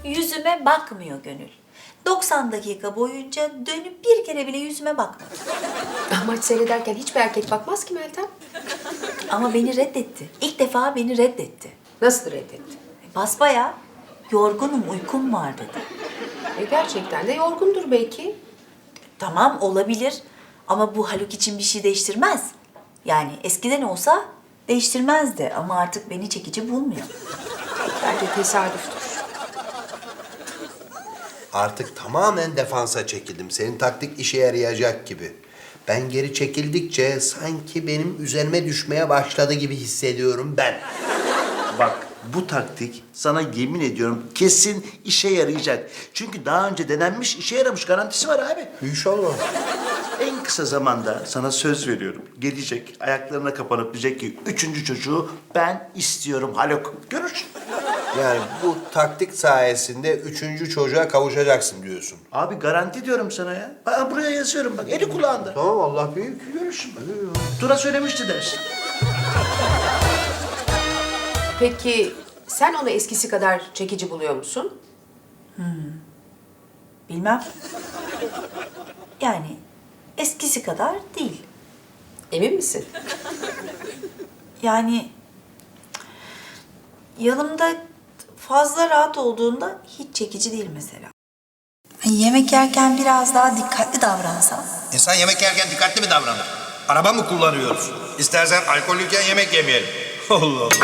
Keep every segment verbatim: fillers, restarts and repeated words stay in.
yüzüme bakmıyor Gönül. doksan dakika boyunca dönüp bir kere bile yüzüme bakmadı. Maç seyrederken hiçbir erkek bakmaz ki Meltem. Ama beni reddetti. İlk defa beni reddetti. Nasıl reddetti? Basbayağı yorgunum, uykum var dedi. E gerçekten de yorgundur belki. Tamam olabilir ama bu Haluk için bir şey değiştirmez. Yani eskiden olsa değiştirmezdi ama artık beni çekici bulmuyor. Bence tesadüftür. Artık tamamen defansa çekildim. Senin taktik işe yarayacak gibi. Ben geri çekildikçe sanki benim üzerime düşmeye başladı gibi hissediyorum ben. Bak bu taktik sana yemin ediyorum kesin işe yarayacak. Çünkü daha önce denenmiş, işe yaramış garantisi var abi. İnşallah. En kısa zamanda sana söz veriyorum. Gelecek, ayaklarına kapanıp diyecek ki üçüncü çocuğu ben istiyorum Haluk. Görürsün. Yani bu taktik sayesinde üçüncü çocuğa kavuşacaksın diyorsun. Abi garanti diyorum sana ya. Ben buraya yazıyorum bak, eli kulağında. Tamam Allah büyük. Görürsün bak. Tura söylemişti dersin. Peki sen onu eskisi kadar çekici buluyor musun? Bilmem. Yani eskisi kadar değil. Emin misin? Yani yanımda fazla rahat olduğunda hiç çekici değil mesela. Yemek yerken biraz daha dikkatli davransam. İnsan yemek yerken dikkatli mi davranır? Araba mı kullanıyoruz? İstersen alkollüyken yemek yemeyelim. Allah Allah.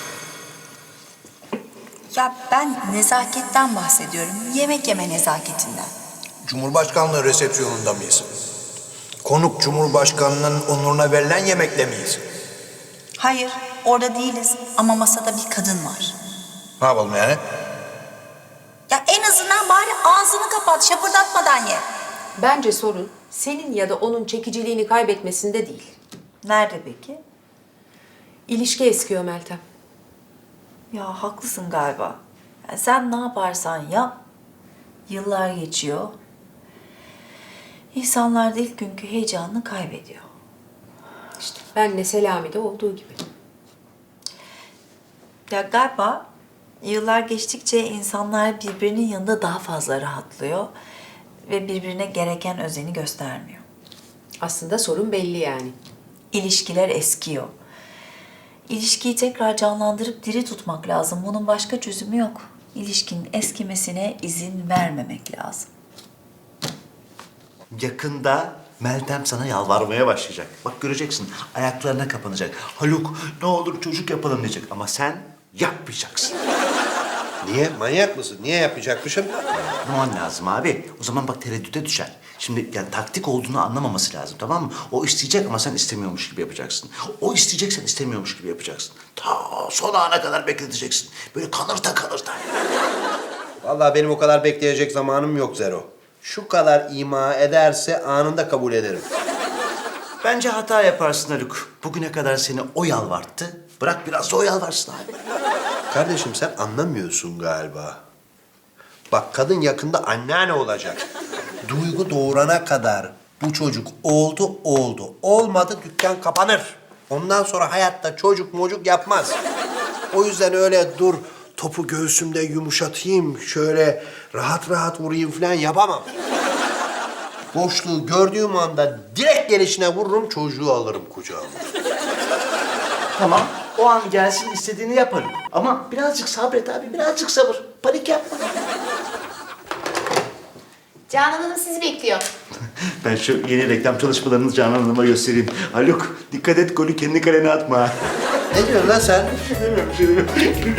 Ya ben nezaketten bahsediyorum. Yemek yeme nezaketinden. Cumhurbaşkanlığı resepsiyonunda mıyız? Konuk Cumhurbaşkanının onuruna verilen yemekle miyiz? Hayır, orada değiliz ama masada bir kadın var. Ne yapalım yani? Ya en azından bari ağzını kapat, şapırdatmadan ye. Bence sorun senin ya da onun çekiciliğini kaybetmesinde değil. Nerede peki? İlişki eskiyor Meltem. Ya haklısın galiba. Ya sen ne yaparsan yap, yıllar geçiyor. İnsanlar da ilk günkü heyecanını kaybediyor. İşte benle Selami'de olduğu gibi. Ya galiba yıllar geçtikçe insanlar birbirinin yanında daha fazla rahatlıyor ve birbirine gereken özeni göstermiyor. Aslında sorun belli yani. İlişkiler eskiyor. İlişkiyi tekrar canlandırıp diri tutmak lazım. Bunun başka çözümü yok. İlişkinin eskimesine izin vermemek lazım. Yakında Meltem sana yalvarmaya başlayacak. Bak göreceksin, ayaklarına kapanacak. Haluk ne olur çocuk yapalım diyecek ama sen yapmayacaksın. Niye? Manyak mısın? Niye yapacakmışım? Yapmaman lazım abi. O zaman bak tereddüte düşer. Şimdi yani taktik olduğunu anlamaması lazım, tamam mı? O isteyecek ama sen istemiyormuş gibi yapacaksın. O isteyecek, sen istemiyormuş gibi yapacaksın. Ta son ana kadar bekleteceksin. Böyle kanırta kanırta. Vallahi benim o kadar bekleyecek zamanım yok Zero. Şu kadar ima ederse anında kabul ederim. Bence hata yaparsın Haluk. Bugüne kadar seni o yalvarttı. Bırak biraz da o yalvarsın abi. Kardeşim sen anlamıyorsun galiba. Bak kadın yakında anneanne olacak. Duygu doğurana kadar bu çocuk oldu oldu. Olmadı dükkan kapanır. Ondan sonra hayatta çocuk mocuk yapmaz. O yüzden öyle dur topu göğsümde yumuşatayım, şöyle rahat rahat vurayım falan yapamam. Boşluğu gördüğüm anda direkt gelişine vururum, çocuğu alırım kucağıma. Tamam, o an gelsin istediğini yaparım. Ama birazcık sabret abi, birazcık sabır. Panik yapma. Canan Hanım sizi bekliyor. Ben şu yeni reklam çalışmalarını Canan Hanım'a göstereyim. Haluk, dikkat et golü kendi kalene atma. Ne diyorsun lan sen? Demiyorum, bir şey demiyorum.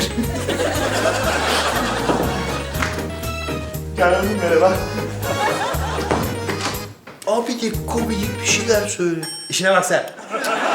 Canan Hanım merhaba. Abi de komik bir şeyler söyle. İşine bak sen.